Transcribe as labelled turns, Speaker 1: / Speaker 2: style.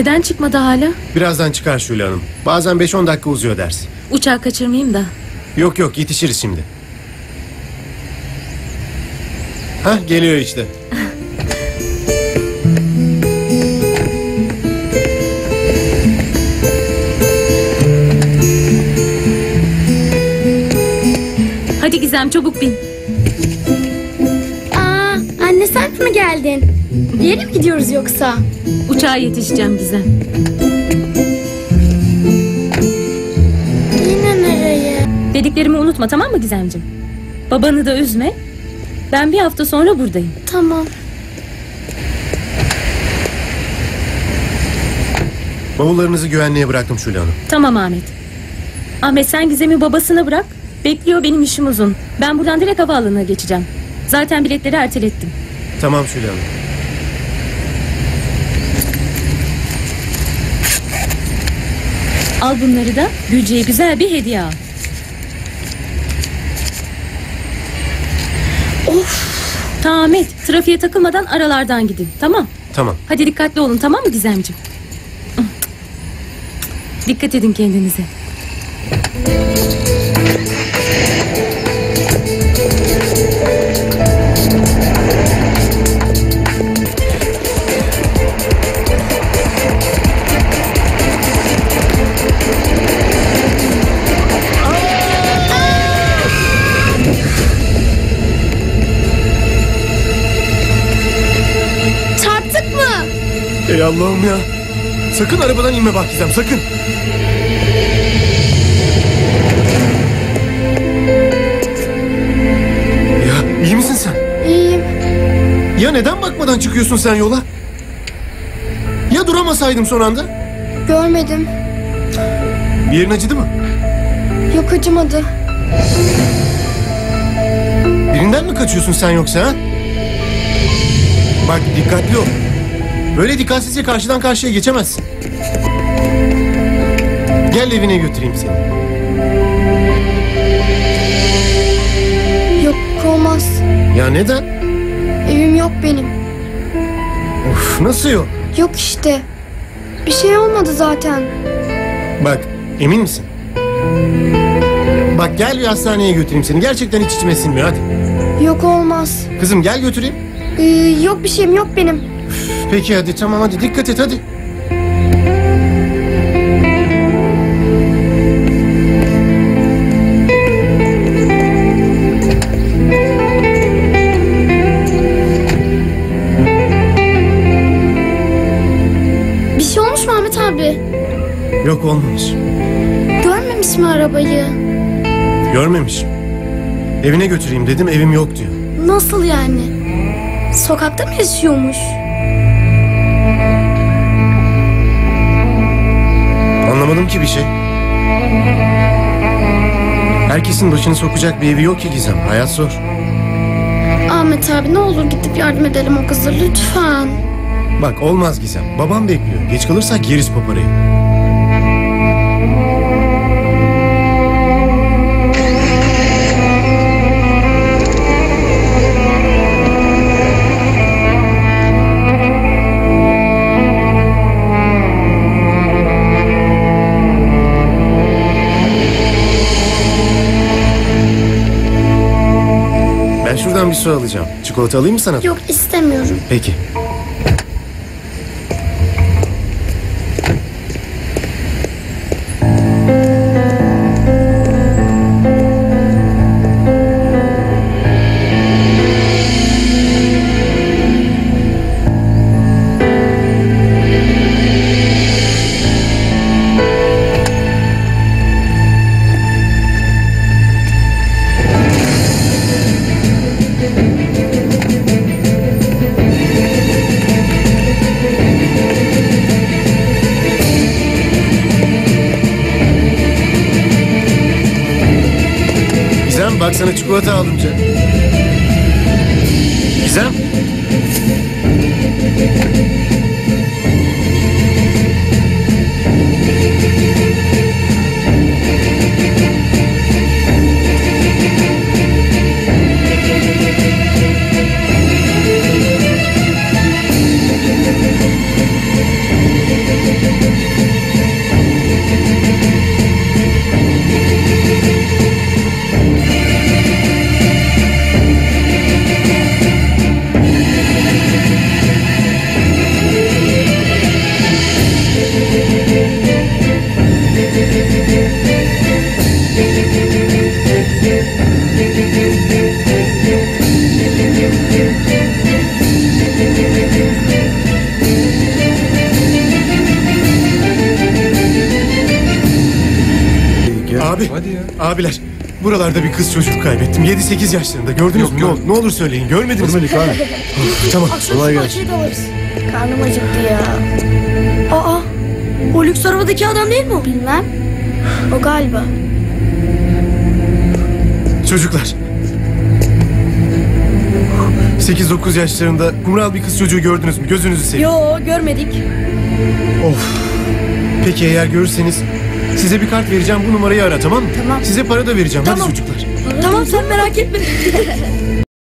Speaker 1: Neden çıkmadı hala?
Speaker 2: Birazdan çıkar Şule Hanım. Bazen 5-10 dakika uzuyor ders.
Speaker 1: Uçağı kaçırmayayım da.
Speaker 2: Yok yok, yetişiriz şimdi. Hah, geliyor işte.
Speaker 1: Hadi Gizem, çabuk bin.
Speaker 3: Anne, sen mi geldin? Bir yere mi gidiyoruz yoksa?
Speaker 1: Uçağa yetişeceğim Gizem.
Speaker 3: Yine nereye?
Speaker 1: Dediklerimi unutma, tamam mı Gizemciğim? Babanı da üzme. Ben bir hafta sonra buradayım.
Speaker 3: Tamam.
Speaker 2: Bavullarınızı güvenliğe bıraktım Şule Hanım.
Speaker 1: Tamam Ahmet. Ahmet, sen Gizem'i babasına bırak. Bekliyor, benim işim uzun. Ben buradan direkt havaalanına geçeceğim. Zaten biletleri ertelettim.
Speaker 2: Tamam Şule Hanım.
Speaker 1: Al bunları da Gülce'ye güzel bir hediye al.
Speaker 3: Of!
Speaker 1: Tamam Ahmet, trafiğe takılmadan aralardan gidin, tamam?
Speaker 2: Tamam.
Speaker 1: Hadi dikkatli olun, tamam mı Gizemciğim? Dikkat edin kendinize.
Speaker 3: Çarptık mı?
Speaker 2: Ey Allah'ım ya. Sakın arabadan inme bak Gizem, sakın. Ya iyi misin sen?
Speaker 3: İyiyim.
Speaker 2: Ya neden bakmadan çıkıyorsun sen yola? Ya duramasaydım son anda?
Speaker 3: Görmedim.
Speaker 2: Bir yerin acıdı mı?
Speaker 3: Yok, acımadı.
Speaker 2: Birinden mi kaçıyorsun sen yoksa ha? Bak dikkatli ol. Böyle dikkatsizce karşıdan karşıya geçemezsin. Gel evine götüreyim seni.
Speaker 3: Yok, olmaz.
Speaker 2: Ya neden?
Speaker 3: Evim yok benim.
Speaker 2: Of, nasıl yok?
Speaker 3: Yok işte. Bir şey olmadı zaten.
Speaker 2: Bak emin misin? Bak gel bir hastaneye götüreyim seni. Gerçekten hiç içime sinmiyor, hadi.
Speaker 3: Yok, olmaz.
Speaker 2: Kızım gel götüreyim.
Speaker 3: Yok, bir şeyim yok benim.
Speaker 2: Peki hadi, tamam, hadi dikkat et hadi.
Speaker 3: Bir şey olmuş mu Ahmet abi?
Speaker 2: Yok, olmamış.
Speaker 3: Görmemiş mi arabayı?
Speaker 2: Görmemiş. Evine götüreyim dedim, evim yok diyor.
Speaker 3: Nasıl yani? Sokakta mı yaşıyormuş?
Speaker 2: Anlamadım ki bir şey. Herkesin başını sokacak bir evi yok ki Gizem. Hayat zor.
Speaker 3: Ahmet abi, ne olur gidip yardım edelim o kıza lütfen.
Speaker 2: Bak olmaz Gizem. Babam bekliyor. Geç kalırsak yeriz paparayı. Ben şuradan bir su alacağım. Çikolata alayım mı sana?
Speaker 3: Yok, istemiyorum.
Speaker 2: Peki. Bak sana çikolata aldım canım. Gizem. Abi,
Speaker 4: Hadi ya.
Speaker 2: abiler. Buralarda bir kız çocuk kaybettim. 7-8 yaşlarında. Gördünüz
Speaker 4: Yok,
Speaker 2: mü?
Speaker 4: görmedim.
Speaker 2: Ne olur söyleyin. Görmediniz mi?
Speaker 5: Görmedik abi.
Speaker 2: Tamam.
Speaker 5: Kolay gelsin.
Speaker 3: Karnım acıktı ya.
Speaker 6: Aa, o lüks arabadaki adam değil mi o?
Speaker 3: Bilmem. O galiba.
Speaker 2: Çocuklar. 8-9 yaşlarında kumral bir kız çocuğu gördünüz mü? Gözünüzü seveyim.
Speaker 6: Yo, görmedik.
Speaker 2: Of. Peki eğer görürseniz size bir kart vereceğim. Bu numarayı ara, tamam mı?
Speaker 3: Tamam.
Speaker 2: Size para da vereceğim.
Speaker 6: Tamam.
Speaker 2: Hadi çocuklar.
Speaker 6: Tamam, sen merak etme.